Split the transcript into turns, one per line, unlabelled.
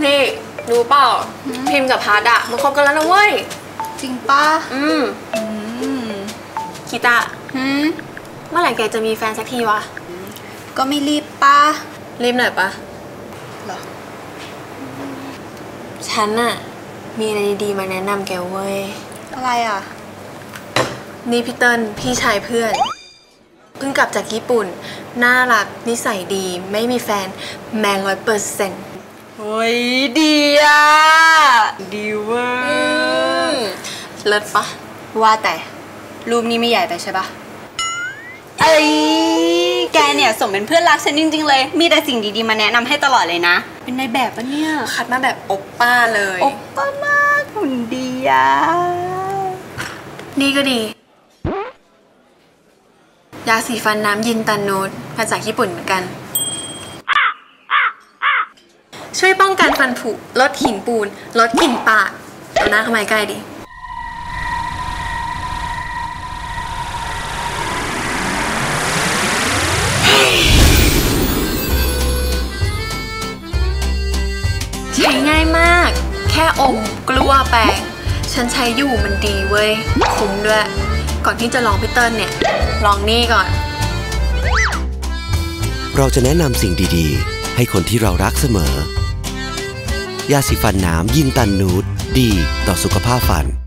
นี่รู้เปล่าพิมพ์กับพัดอะมันคบกันแล้วนะเว้ย
จริงป่ะ
กีตาเมื่อไหร่แกจะมีแฟนสักทีวะ
ก็ไม่รีบป่ะ
รีบหน่อยปะ
หรอ
ฉันอะมีอะไรดีๆมาแนะนำแกเว้ย
อะไรอะ
นี่พี่เติ้ลพี่ชายเพื่อนเพิ่งกลับจากญี่ปุ่นน่ารักนิสัยดีไม่มีแฟนแมน100%
เฮ้ยดีอะดีเว้ย
เลิศปะ
ว่าแต่รูปนี้ไม่ใหญ่ไปใช่ปะเอ้ยแกเนี่ยสมเป็นเพื่อนรักฉันจริงๆเลยมีแต่สิ่งดีๆมาแนะนำให้ตลอดเลยนะเป็นในแบบปะเนี่ย
คัดมาแบบโอปป้าเลย
โอปป้ามากหุ่นดีอะ
นี่ก็ดียาสีฟันน้ำยินตันนูดมาจากญี่ปุ่นเหมือนกันช่วยป้องกันฟันผุลดหินปูนลดกลิ่นปากเอาหน้าเข้ามาใกล้ดิใช้ง่ายมากแค่อมกลัวแปรงฉันใช้อยู่มันดีเว้ยคุ้มด้วยก่อนที่จะลองพี่เติ้ลเนี่ยลองนี่ก่อน
เราจะแนะนำสิ่งดีๆให้คนที่เรารักเสมอยาสีฟันน้ำยินตันนูดดีต่อสุขภาพฟัน